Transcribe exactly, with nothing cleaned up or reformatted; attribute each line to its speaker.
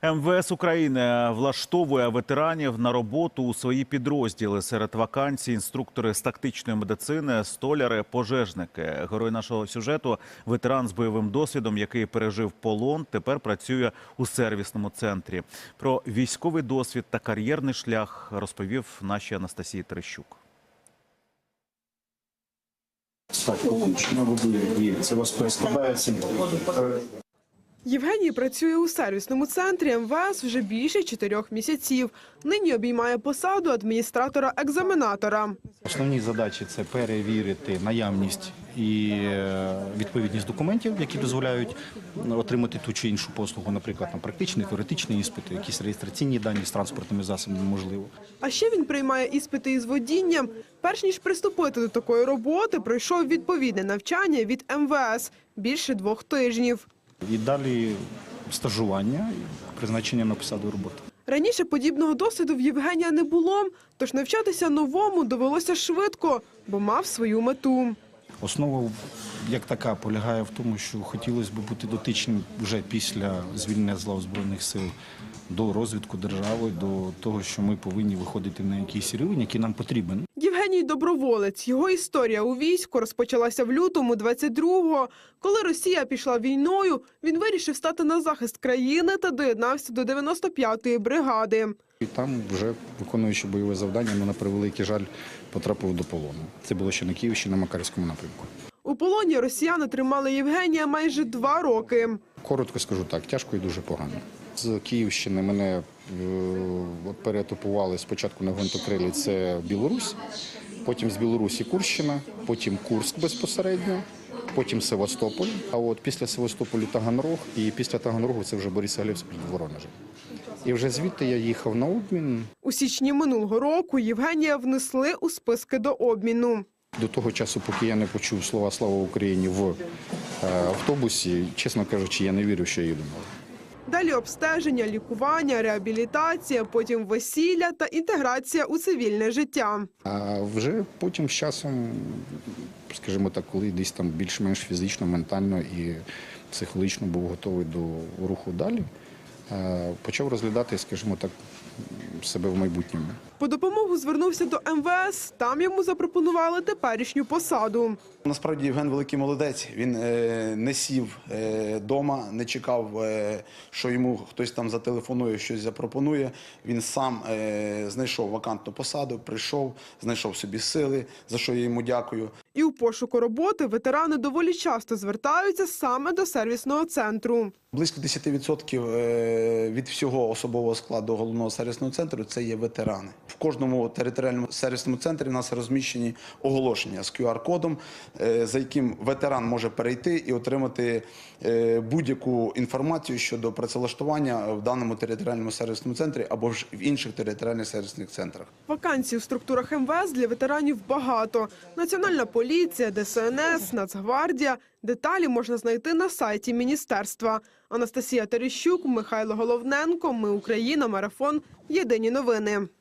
Speaker 1: Ем Ве Ес України влаштовує ветеранів на роботу у свої підрозділи. Серед вакансій – інструктори з тактичної медицини, столяри, пожежники. Герой нашого сюжету – ветеран з бойовим досвідом, який пережив полон, тепер працює у сервісному центрі. Про військовий досвід та кар'єрний шлях розповів нашій Анастасії Терещук.
Speaker 2: Це вас складається.
Speaker 3: Євгеній працює у сервісному центрі Ем Ве Ес вже більше чотирьох місяців. Нині обіймає посаду адміністратора-екзаменатора.
Speaker 2: Основні задачі – це перевірити наявність і відповідність документів, які дозволяють отримати ту чи іншу послугу, наприклад, на практичні, теоретичні іспити, якісь реєстраційні дані з транспортними засобами, можливо.
Speaker 3: А ще він приймає іспити із водінням. Перш ніж приступити до такої роботи, пройшов відповідне навчання від Ем Ве Ес – більше двох тижнів.
Speaker 2: І далі стажування, призначення на посаду роботи.
Speaker 3: Раніше подібного досвіду в Євгенія не було, тож навчатися новому довелося швидко, бо мав свою мету.
Speaker 2: Основа, як така, полягає в тому, що хотілося б бути дотичним вже після звільнення з лав Збройних сил до розвитку держави, до того, що ми повинні виходити на якийсь рівень, який нам потрібен.
Speaker 3: Євгеній – доброволець. Його історія у війську розпочалася в лютому двадцять другого. Коли Росія пішла війною, він вирішив стати на захист країни та доєднався до дев'яносто п'ятої бригади.
Speaker 2: І там, вже виконуючи бойове завдання, але, на превеликий жаль, потрапив до полону. Це було ще на Київщині, на Макарівському напрямку.
Speaker 3: У полоні росіяни тримали Євгенія майже два роки.
Speaker 2: Коротко скажу так, тяжко і дуже погано. З Київщини мене е, переетапували спочатку на гвинтокрилі, це Білорусь, потім з Білорусі Курщина, потім Курськ безпосередньо, потім Севастополь, а от після Севастополю Таганрог, і після Таганрогу це вже Борисоглебськ під Воронежем. І вже звідти я їхав на обмін.
Speaker 3: У січні минулого року Євгенія внесли у списки до обміну.
Speaker 2: До того часу, поки я не почув слова «Слава Україні» в е, автобусі, чесно кажучи, я не вірю, що я їду.
Speaker 3: Далі обстеження, лікування, реабілітація, потім весілля та інтеграція у цивільне життя.
Speaker 2: А вже потім з часом, скажімо так, коли десь там більш-менш фізично, ментально і психологічно був готовий до руху далі, почав розглядати, скажімо так, себе в майбутньому.
Speaker 3: По допомогу звернувся до Ем Ве Ес, там йому запропонували теперішню посаду.
Speaker 4: Насправді Євген великий молодець, він е, не сів вдома, е, не чекав, е, що йому хтось там зателефонує, щось запропонує. Він сам е, знайшов вакантну посаду, прийшов, знайшов собі сили, за що я йому дякую.
Speaker 3: І у пошуку роботи ветерани доволі часто звертаються саме до сервісного центру.
Speaker 4: Близько десять відсотків від всього особового складу головного сервісного центру – це є ветерани. В кожному територіальному сервісному центрі у нас розміщені оголошення з кю ар кодом, за яким ветеран може перейти і отримати будь-яку інформацію щодо працевлаштування в даному територіальному сервісному центрі або ж в інших територіальних сервісних центрах.
Speaker 3: Вакансій у структурах Ем Ве Ес для ветеранів багато. Національна поліція, Де Ес Ен Ес, Нацгвардія. Деталі можна знайти на сайті міністерства. Анастасія Терещук, Михайло Головненко. Ми Україна. Марафон. Єдині новини.